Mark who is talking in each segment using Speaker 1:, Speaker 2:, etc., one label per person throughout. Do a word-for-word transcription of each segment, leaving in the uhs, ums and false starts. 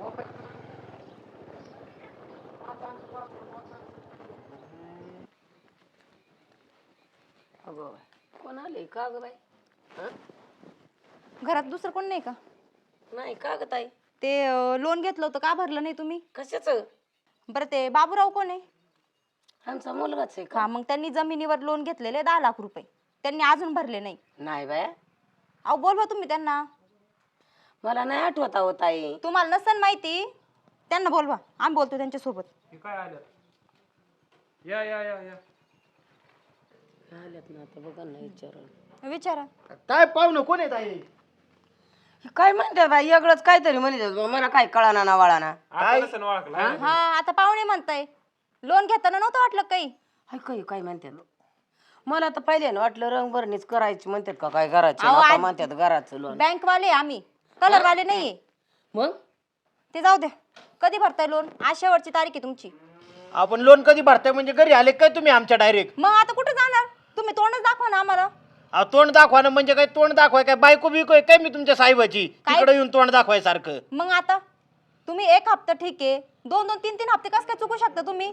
Speaker 1: अगं कोण आले का ग बाई? हं?
Speaker 2: घरात दुसरं कोण नाही का?
Speaker 1: नाही का ग ताई?
Speaker 2: ते लोन घेतलं होतं का भरलं नाही तुम्ही?
Speaker 1: कशाच?
Speaker 2: बरं ते बाबूराव कोण आहे?
Speaker 1: आमचा मुलगाच आहे का?
Speaker 2: हा मग त्यांनी जमिनीवर लोन घेतलेले दहा लाख रुपये त्यांनी अजून भरले नाही.
Speaker 1: नाही बाया,
Speaker 2: अहो बोलवा तुम्ही त्यांना.
Speaker 1: मला नाही आठवत आहो ताई.
Speaker 2: तुम्हाला नसन माहिती त्यांना बोलवा, आम्ही बोलतो त्यांच्या सोबत.
Speaker 3: हे काय आलं? या या या या
Speaker 1: आल्यात ना आता बघा ना विचारून.
Speaker 2: विचारा.
Speaker 4: काय पाहुणं कोण आहे ताई?
Speaker 1: काय म्हणतात बाई वेगळंच काहीतरी म्हणतात बा, मला काय कळाना ना वळाना.
Speaker 3: आता नसेल ओळखला.
Speaker 2: हा आता पाहुणे म्हणताय लोन घेताना नव्हतं वाटलं काही?
Speaker 1: हाय काय काय म्हणतात? मला तर पहिल्यानं वाटलं रंगभरणीच करायची म्हणतात का काय करायची,
Speaker 2: अहो,
Speaker 1: आता
Speaker 2: आज-
Speaker 1: म्हणतात घराचं लोन.
Speaker 2: बँक वाले आम्ही कलर वाले नाहीये.
Speaker 1: मग
Speaker 2: ते जाऊ द्या. कधी भरताय लोन? आज शेवटची तारीख आहे तुमची.
Speaker 4: आपण लोन कधी भरताय म्हणजे घरी आले काय तुम्ही आमच्या डायरेक्ट?
Speaker 2: मग आता कुठे जाणार? तुम्ही तोंडच दाखवा ना आम्हाला.
Speaker 4: तोंड दाखवा ना म्हणजे काय? तोंड दाखवाय काय बायको बिको आहे काय मी तुमच्या साहेबाची?
Speaker 2: काय?
Speaker 4: तिकडे येऊन तोंड दाखवाय सारखं.
Speaker 2: मग आता तुम्ही एक हप्ता ठीक आहे, दोन दोन तीन तीन हप्ते कसं काय चुकू शकता तुम्ही?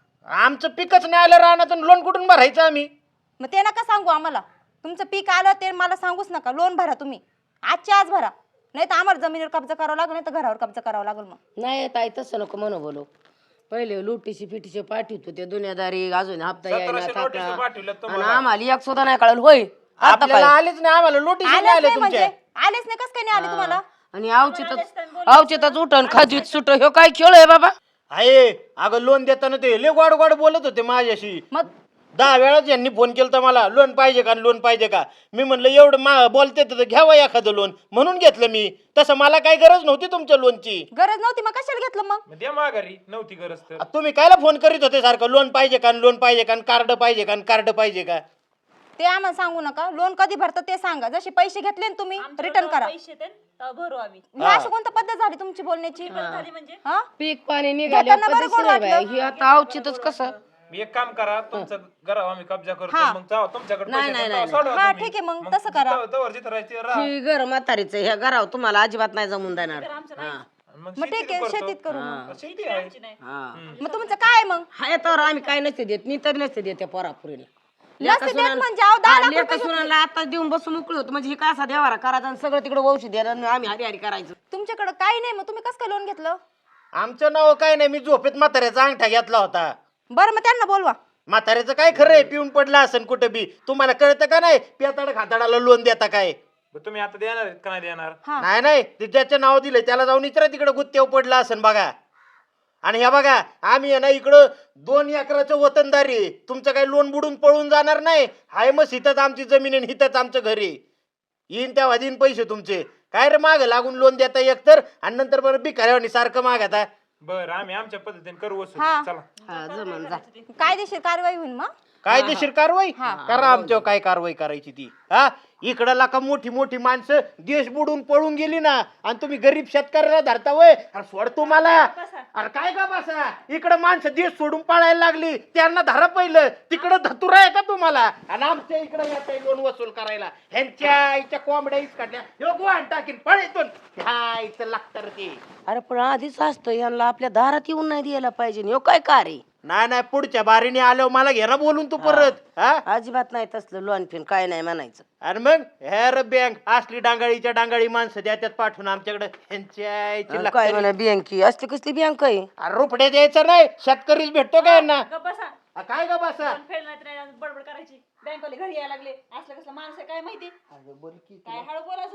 Speaker 4: आमचं पिकच नाही आलं राहणार लोन कुठून भरायचं आम्ही?
Speaker 2: मग ते नका सांगू आम्हाला. तुमचं पीक आलं ते मला सांगूच नका. लोन भरा तुम्ही, आजच्या आज भरा, नाही तर आम्हाला जमिनीवर कब्जा करावा लागेल, नाही तर घरावर कब्जा करावा लागेल. मग
Speaker 1: नाही ताई तसं नको म्हणू बोलो. पहिले लुटीशी पिटीशी पाठवतो ते दुनियादारी अजून हप्ता यायला
Speaker 3: सतराशे
Speaker 1: थाकला.
Speaker 3: नोटीस पाठवल्यात
Speaker 1: आणि
Speaker 3: तुम्हाला.
Speaker 1: आम्हाला एक सुद्धा नाही कळलं होय. आता
Speaker 4: आपल्याला
Speaker 1: काय
Speaker 4: आलेच नाही, आम्हाला नोटीस नाही
Speaker 2: आलेच
Speaker 4: आले
Speaker 2: नाही म्हणजे
Speaker 4: तुमच्या.
Speaker 2: आलेच नाही कसं काय नाही आले तुम्हाला?
Speaker 1: आणि अवचितच अवचितच उठण खाजीत सुट ह्यो काय खेळ आहे बाबा?
Speaker 4: आहे अगं लोन देताना ते लय गोड गोड बोलत होते माझ्याशी.
Speaker 2: मग
Speaker 4: दहा वेळाच यांनी फोन केला तर मला लोन पाहिजे का लोन पाहिजे का. मी म्हणलं एवढं मा बोलते तर घ्यावं एखादं लोन म्हणून घेतलं मी. तसं मला काही गरज नव्हती तुमच्या लोनची.
Speaker 2: गरज नव्हती मग कशाला घेतलं मग?
Speaker 3: मग द्या माघारी, नव्हती गरज तर.
Speaker 4: तुम्ही कायला फोन करीत होते सारखं लोन पाहिजे का लोन पाहिजे का कार्ड पाहिजे का कार्ड पाहिजे का?
Speaker 2: ते आम्हाला सांगू नका. लोन कधी भरतं ते सांगा. जसे पैसे घेतले ना तुम्ही रिटर्न करा.
Speaker 5: पैसे देन तेव्हा भरू आम्ही.
Speaker 2: ही अशी कोणती पद्धत झाली तुमची बोलण्याची?
Speaker 5: झाली म्हणजे
Speaker 2: हा
Speaker 1: पीक पाणी निघाल्या
Speaker 2: घेताना बरं
Speaker 1: पद्धतशीर
Speaker 2: गोड
Speaker 1: आहे बाई.
Speaker 2: वाटलं.
Speaker 1: ही आता अवचितच कसं?
Speaker 3: मी एक काम करा, तुमचं घरावर आम्ही कब्जा करतो.
Speaker 2: हा.
Speaker 3: मग जाऊ तुमच्याकडे
Speaker 1: नाही,
Speaker 3: पैसे
Speaker 1: नाही,
Speaker 3: देतो,
Speaker 1: नाही,
Speaker 3: सोडवा
Speaker 2: हा
Speaker 3: तुम्ही.
Speaker 2: ठीक आहे मग तसं करा.
Speaker 3: तवर- तवर जिथं राहायचं राहा.
Speaker 1: ही घर म्हातारीचं ह्या घरावर तुम्हाला अजिबात नाही जमून देणार. हा.
Speaker 3: मग
Speaker 2: मग ठीक
Speaker 3: शेतीत
Speaker 2: आहे
Speaker 3: करतो.
Speaker 2: शेतीत करू मग.
Speaker 3: शेती आहे.
Speaker 1: हा.
Speaker 2: मग तुमचं काय आहे मग?
Speaker 1: हाय तर आम्ही काय नसते देत. मी तरी नसते देत त्या पोरापुरीला.
Speaker 2: नसते देत म्हणजे अहो दहा लाख रुपये
Speaker 1: सुनाला आता देऊन बसून मोकळी होतो म्हणजे हे काय असा देवारा करायचा आणि सगळं तिकडे वंशी द्यायला आणि आम्ही हरी हरी करायचं.
Speaker 2: तुमच्याकडे काही नाही मग तुम्ही कसं काय लोन घेतलं?
Speaker 4: आमचं नाव काय नाही, मी झोपेत म्हाताऱ्याचा अंगठा घेतला होता.
Speaker 2: बरं मग त्यांना बोलवा.
Speaker 4: म्हाताऱ्याचं काय खरं आहे? पिऊन पडलं असेल कुठं बी. तुम्हाला कळतं का नाही? पेताड खाताडाला लोन देता काय?
Speaker 3: मग तुम्ही आता देणार आहेत का नाही देणार?
Speaker 2: हा
Speaker 4: नाही नाही, ते ज्याचं नाव दिलंय त्याला जाऊन इतर तिकडे गुत्तेव पडलं असेल बघा. आणि ह्या बघा आम्ही आहे ना इकडं दोन एकराचं वतनदारी आहे. तुमचं काही लोन बुडून पळून जाणार नाही. हाय मग हिथंच आमची जमीन आहे, हिथंच आमचं घर आहे. येईन तेव्हा देईन पैसे तुमचे. काय रे माग लागून लोन देता एकतर आणि नंतर बरं बिकाऱ्यावानी सारखं मागता.
Speaker 3: बरं आम्ही आमच्या पद्धतीने करू वसूल.
Speaker 2: हा.
Speaker 3: चला.
Speaker 1: हा जमन जा.
Speaker 2: कायदेशीर कारवाई होईल मग.
Speaker 4: कायदेशीर कारवाई करा आमच्यावर. काय कारवाई करायची ती? हा इकडं लाका मोठी मोठी माणसं देश बुडून पळून गेली ना आणि तुम्ही गरीब शेतकऱ्याला धरता वय. अरे सोड तुम्हाला. अरे काय का बसा, इकडं माणसं देश सोडून पळायला लागली त्यांना धरा पहिलं. तिकडं धतुरा आहे का तुम्हाला? आणि आमच्या इकडं येत लोन वसूल करायला. ह्यांच्या इच्या कोंबड्या इच काढल्या ह्यो गोहाण टाकीन पळेतून. ह्या इथं लागतं रे ते.
Speaker 1: अरे पण आधीच असतं यांना आपल्या दारात येऊन नाही द्यायला पाहिजे. ह्यो काय कार्य?
Speaker 4: नाही नाही, पुढच्या बारीने आल्यावर मला घे ना बोलून तू परत. हा
Speaker 1: अजिबात नाही तसलं लोन फिन काय नाही म्हणायचं.
Speaker 4: आणि मग हेर बँक असली डांगाळीच्या डांगाळी माणसं द्या त्यात पाठवून आमच्याकडे. ह्यांच्या इथे
Speaker 1: आणि
Speaker 4: लागतं
Speaker 1: काय
Speaker 4: रे.
Speaker 1: म्हणा बँकी असली कसली बँक आहे?
Speaker 4: अरे रुपड्या द्यायचं नाही, शेतकरीच भेटतो का यांना?
Speaker 5: गप्प बसा.
Speaker 4: आ, काय का बसा?
Speaker 5: पण फेडलं नाही तर नाही, बडबड करायची. बँकवाले घरी यायला लागले. असलं कसलं माणूस आहे काय माहिती? काय हळू बोलायचं.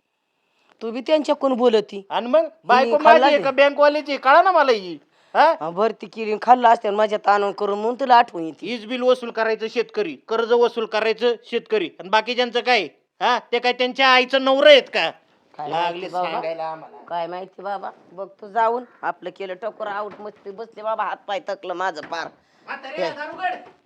Speaker 1: तू बी त्यांच्याकडून बोलती.
Speaker 4: आणि मग बायको
Speaker 1: खाल्ला
Speaker 4: माझी आहे का बँकवाल्याची? कळा ना मला ही. हा
Speaker 1: भरती केली खाल्ला असते माझ्या ताणून करून म्हणून तुला आठवण येते.
Speaker 4: वीज बिल वसूल करायचं शेतकरी, कर्ज वसूल करायचं शेतकरी, आणि बाकीच्यांचं काय? हा ते काय त्यांच्या आईचं नवरं आहेत का?
Speaker 1: काय
Speaker 4: लागले
Speaker 1: माहिती बाबा.
Speaker 4: सांगायला आम्हाला.
Speaker 1: काय माहिती बाबा. बघ तू जाऊन आपलं केलं टोकर आऊट मस्ती बसले बाबा हात पाय थकलं माझं पार.
Speaker 4: म्हातारे, दारू उघड.